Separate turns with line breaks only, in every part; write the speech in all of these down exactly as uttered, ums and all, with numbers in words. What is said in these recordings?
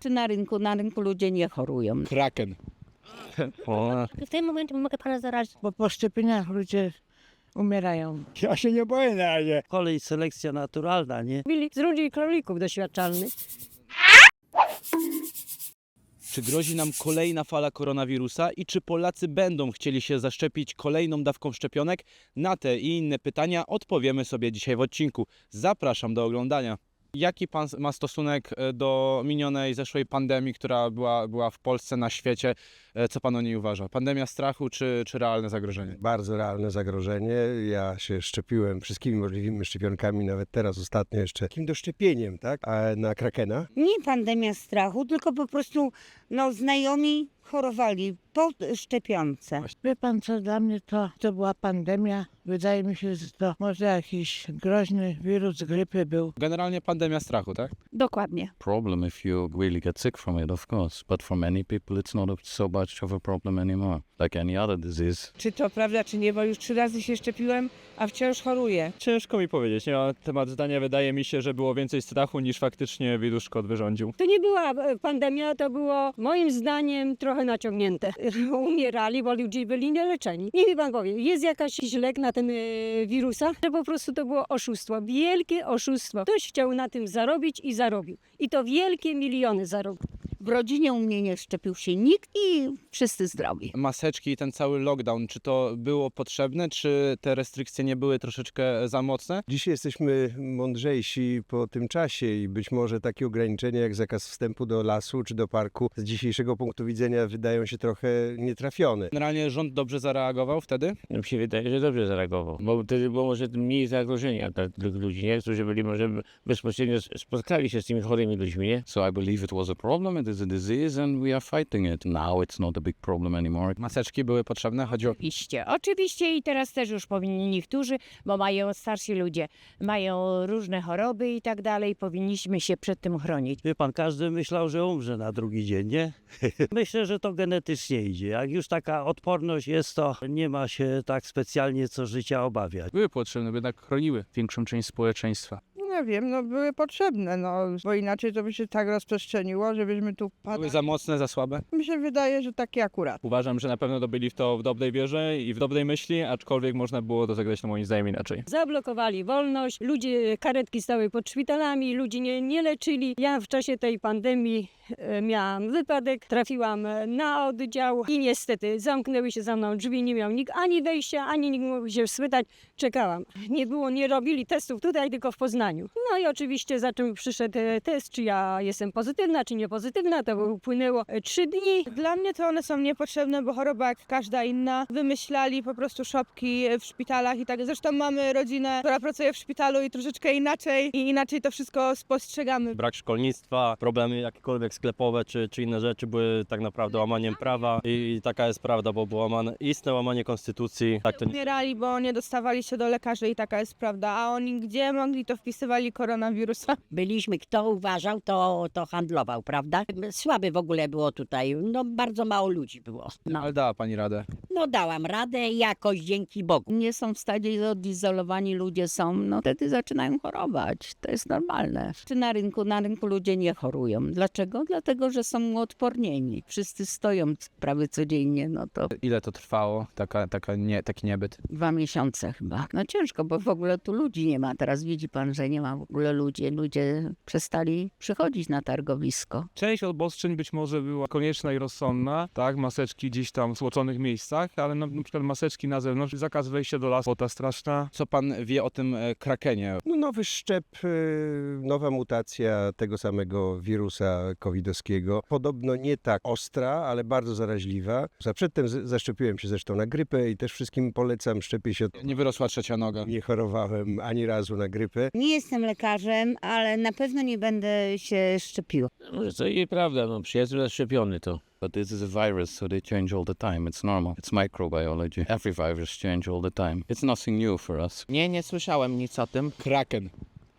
Czy na rynku? Na rynku ludzie nie chorują.
Kraken.
W tym momencie mogę pana zarazić.
Bo po szczepieniach ludzie umierają.
Ja się nie boję na razie.
Kolej selekcja naturalna, nie?
Byli z ludzi królików doświadczalnych.
Czy grozi nam kolejna fala koronawirusa i czy Polacy będą chcieli się zaszczepić kolejną dawką szczepionek? Na te i inne pytania odpowiemy sobie dzisiaj w odcinku. Zapraszam do oglądania. Jaki pan ma stosunek do minionej zeszłej pandemii, która była, była w Polsce, na świecie? Co pan o niej uważa? Pandemia strachu czy, czy realne zagrożenie?
Bardzo realne zagrożenie. Ja się szczepiłem wszystkimi możliwymi szczepionkami, nawet teraz ostatnio jeszcze takim doszczepieniem, tak? A na krakena.
Nie pandemia strachu, tylko po prostu no, znajomi chorowali po szczepionce.
Wie pan co, dla mnie to, to była pandemia. Wydaje mi się, że to może jakiś groźny wirus grypy był.
Generalnie pandemia strachu, tak?
Dokładnie.
Problem if you really get sick from it, of course. But for many people, it's not a, so much of a problem anymore, like any other disease.
Czy to prawda, czy nie, bo już trzy razy się szczepiłem, a wciąż choruję.
Ciężko mi powiedzieć, nie ma temat zdania. Wydaje mi się, że było więcej strachu niż faktycznie wirus szkod wyrządził.
To nie była e, pandemia, to było moim zdaniem trochę naciągnięte. Umierali, bo ludzie byli nieleczeni. Niech mi pan powie, jest jakaś lek na ten e, wirusa, że po prostu to było oszustwo. Wielkie oszustwo. Ktoś chciał na tym zarobić i zarobił. I to wielkie miliony zarobił.
W rodzinie u mnie nie szczepił się nikt i wszyscy zdrowi.
Maseczki i ten cały lockdown, czy to było potrzebne, czy te restrykcje nie były troszeczkę za mocne?
Dzisiaj jesteśmy mądrzejsi po tym czasie i być może takie ograniczenia jak zakaz wstępu do lasu czy do parku z dzisiejszego punktu widzenia wydają się trochę nietrafione.
Generalnie rząd dobrze zareagował wtedy?
Mi się wydaje, że dobrze zareagował, bo wtedy było może mniej zagrożenia dla tych ludzi, nie? Którzy byli może bezpośrednio spotkali się z tymi chorymi ludźmi, nie?
So I believe it was a problem, it is a disease and we are fighting it. Now it's not a big problem anymore.
Maseczki były potrzebne? Chodzi o...
Oczywiście, oczywiście i teraz też już powinni niektórzy, bo mają starsi ludzie, mają różne choroby i tak dalej, powinniśmy się przed tym chronić.
Wie pan, każdy myślał, że umrze na drugi dzień, nie? Myślę, że to genetycznie idzie. Jak już taka odporność jest, to nie ma się tak specjalnie co życia obawiać.
Były potrzebne, bo jednak chroniły większą część społeczeństwa.
Nie wiem, no były potrzebne, no, bo inaczej to by się tak rozprzestrzeniło, żebyśmy tu
Były
padali.
za mocne, za słabe?
Mi się wydaje, że takie akurat.
Uważam, że na pewno to byli w to w dobrej wierze i w dobrej myśli, aczkolwiek można było to zagrać no moim zdaniem inaczej.
Zablokowali wolność, ludzie, karetki stały pod szpitalami, ludzi nie, nie leczyli. Ja w czasie tej pandemii e, miałam wypadek, trafiłam e, na oddział i niestety zamknęły się za mną drzwi, nie miał nikt ani wejścia, ani nikt mógł się spytać. Czekałam. Nie było, nie robili testów tutaj, tylko w Poznaniu. No i oczywiście za czym przyszedł e, test, czy ja jestem pozytywna, czy niepozytywna, to upłynęło e, trzy dni.
Dla mnie to one są niepotrzebne, bo choroba jak każda inna. Wymyślali po prostu szopki w szpitalach i tak. Zresztą mamy rodzinę, która pracuje w szpitalu i troszeczkę inaczej i inaczej to wszystko spostrzegamy.
Brak szkolnictwa, problemy jakiekolwiek sklepowe czy, czy inne rzeczy były tak naprawdę łamaniem prawa i taka jest prawda, bo było łamane, istne łamanie konstytucji. Tak to nie...
Umierali, bo nie dostawali się do lekarzy i taka jest prawda. A oni gdzie mogli, to wpisywali koronawirusa.
Byliśmy, kto uważał, to, to handlował, prawda? Słaby w ogóle było tutaj, no bardzo mało ludzi było. No,
Ale dała pani radę.
no dałam radę jakoś dzięki Bogu.
Nie są w stanie, odizolowani ludzie są, no wtedy zaczynają chorować. To jest normalne. Czy na rynku? Na rynku ludzie nie chorują. Dlaczego? Dlatego, że są uodpornieni. Wszyscy stoją prawie codziennie, no to
Ile to trwało, taka, taka nie, taki niebyt?
dwa miesiące chyba. No ciężko, bo w ogóle tu ludzi nie ma. Teraz widzi pan, że nie ma w ogóle ludzi. Ludzie przestali przychodzić na targowisko.
Część obostrzeń być może była konieczna i rozsądna, tak, maseczki gdzieś tam w stłoczonych miejscach, ale na, na przykład maseczki na zewnątrz, zakaz wejścia do lasu, ta straszna.
Co pan wie o tym e, krakenie?
No, nowy szczep, y, nowa mutacja tego samego wirusa covidowskiego. Podobno nie tak ostra, ale bardzo zaraźliwa. Za przedtem z- zaszczepiłem się zresztą na grypę i też wszystkim polecam, szczepię się.
Nie wyrosła trzecia noga.
Nie chorowałem ani razu na grypę.
Nie jestem lekarzem, ale na pewno nie będę się szczepiła.
Może to i prawda, no przyjaciel zaszczepiony to.
But this is a virus, so they change all the time. It's normal. It's microbiology. Every virus change all the time. It's nothing new for us.
Nie, nie słyszałem nic o tym.
Kraken.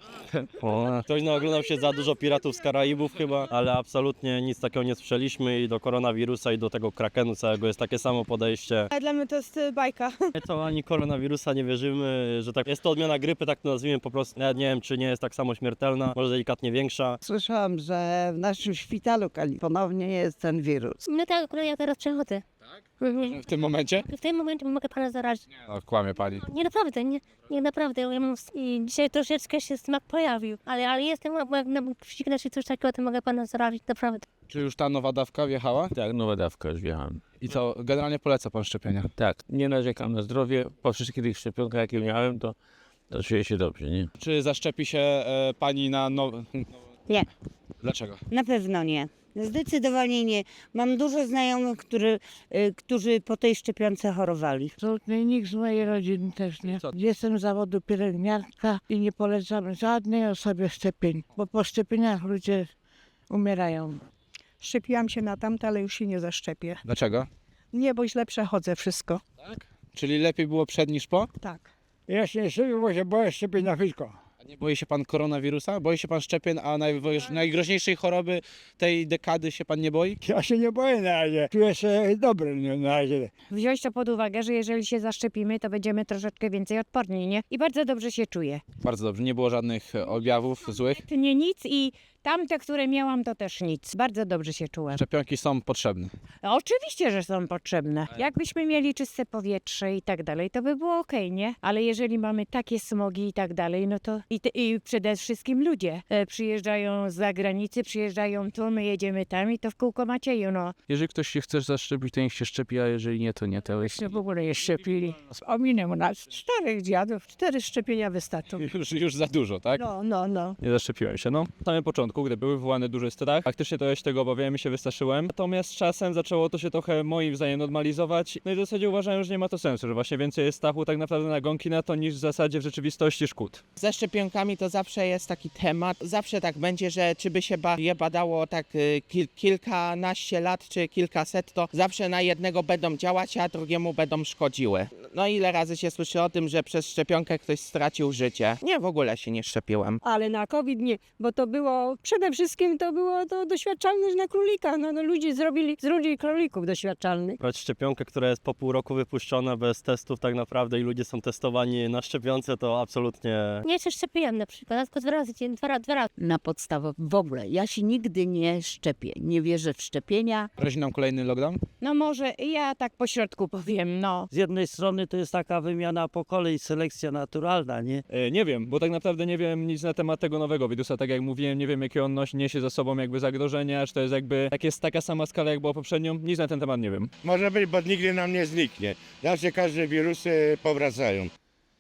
O, ktoś naoglądał się za dużo Piratów z Karaibów chyba, ale absolutnie nic takiego nie słyszeliśmy i do koronawirusa i do tego krakenu całego jest takie samo podejście.
Ale dla mnie to jest y, bajka.
My to ani koronawirusa nie wierzymy, że tak jest to odmiana grypy, tak to nazwijmy po prostu. Nawet nie wiem, czy nie jest tak samo śmiertelna, może delikatnie większa.
Słyszałam, że w naszym szpitalu ponownie jest ten wirus.
No tak, akurat ja teraz przechodzę. Mhm.
W tym momencie?
W tym momencie mogę pana zarazić.
No, kłamie pani.
Nie naprawdę, nie, nie naprawdę. Ja mam, i dzisiaj troszeczkę się smak pojawił, ale, ale jestem, jak na psiknę czy coś takiego, to mogę pana zarazić, naprawdę.
Czy już ta nowa dawka wjechała?
Tak, nowa dawka już wjechałem.
I co, generalnie poleca pan szczepienia?
Tak, nie narzekam na zdrowie. Po wszystkich tych szczepionkach, jakie miałem, to, to czuję się dobrze, nie?
Czy zaszczepi się e, pani na nowe...
Nie.
Dlaczego?
Na pewno nie. Zdecydowanie nie. Mam dużo znajomych, który, y, którzy po tej szczepionce chorowali.
Absolutnie nikt z mojej rodziny też nie.
Co?
Jestem z zawodu pielęgniarka i nie polecam żadnej osobie szczepień, bo po szczepieniach ludzie umierają.
Szczepiłam się na tamte, ale już się nie zaszczepię.
Dlaczego?
Nie, bo źle przechodzę wszystko.
Czyli lepiej było przed niż po?
Tak.
Ja się nie szczepię, bo się boję szczepień na wszystko.
A nie boi się pan koronawirusa? Boi się pan szczepień, a najwo- najgroźniejszej choroby tej dekady się pan nie boi?
Ja się nie boję na razie. Czuję się dobry na razie.
Wziąć to pod uwagę, że jeżeli się zaszczepimy, to będziemy troszeczkę więcej odporni, nie? I bardzo dobrze się czuję.
Bardzo dobrze, nie było żadnych e, objawów złych.
Nie nic i tamte, które miałam, to też nic. Bardzo dobrze się czułam.
Szczepionki są potrzebne.
No, oczywiście, że są potrzebne. Jakbyśmy mieli czyste powietrze i tak dalej, to by było okej, nie? Ale jeżeli mamy takie smogi i tak dalej, no to i, te, i przede wszystkim ludzie e, przyjeżdżają z zagranicy, przyjeżdżają tu, my jedziemy tam i to w kółko Macieju, no.
Jeżeli ktoś się chce zaszczepić, to niech się szczepi, a jeżeli nie, to nie. To jest...
W ogóle nie szczepili. Ominęło nas czterech dziadów.
Cztery szczepienia wystarczą.
Już, już za dużo, tak?
No, no, no.
Nie zaszczepiłem się, no. Na samym początku, gdy były wywołane duży strach, faktycznie to ja się tego obawiałem i się wystraszyłem. Natomiast z czasem zaczęło to się trochę moim zdaniem normalizować. No i w zasadzie uważałem, że nie ma to sensu, że właśnie więcej jest strachu tak naprawdę nagonki na to, niż w zasadzie w rzeczywistości szkód.
Ze szczepionkami to zawsze jest taki temat. Zawsze tak będzie, że czy by się ba- je badało tak y, kil- kilkanaście lat czy kilkaset, to zawsze na jednego będą działać, a drugiemu będą szkodziły. No ile razy się słyszy o tym, że przez szczepionkę ktoś stracił życie? Nie, w ogóle się nie szczepiłem.
Ale na COVID nie, bo to było, przede wszystkim to było to doświadczalność na królika. No, no ludzie zrobili z ludzi królików doświadczalnych.
Brać szczepionkę, która jest po pół roku wypuszczona bez testów tak naprawdę i ludzie są testowani na szczepionce, to absolutnie...
Nie się szczepiłam na przykład, tylko dwa razy, dzień- dwa, ra- dwa razy.
Na podstawę w ogóle. Ja się nigdy nie szczepię. Nie wierzę w szczepienia.
Grozi nam kolejny lockdown?
No może ja tak po środku powiem, no.
Z jednej strony to jest taka wymiana pokoleń, selekcja naturalna, nie?
E, nie wiem, bo tak naprawdę nie wiem nic na temat tego nowego wirusa, tak jak mówiłem, nie wiem jakie on nosi, niesie za sobą jakby zagrożenia, czy to jest jakby, jak jest taka sama skala jak była poprzednią, nic na ten temat nie wiem.
Może być, bo nigdy nam nie zniknie. Zawsze każde wirusy powracają.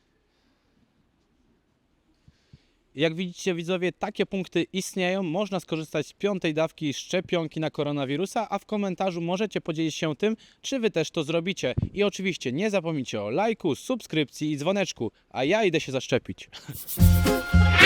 Jak widzicie widzowie, takie punkty istnieją. Można skorzystać z piątej dawki szczepionki na koronawirusa, a w komentarzu możecie podzielić się tym, czy wy też to zrobicie. I oczywiście nie zapomnijcie o lajku, subskrypcji i dzwoneczku, a ja idę się zaszczepić.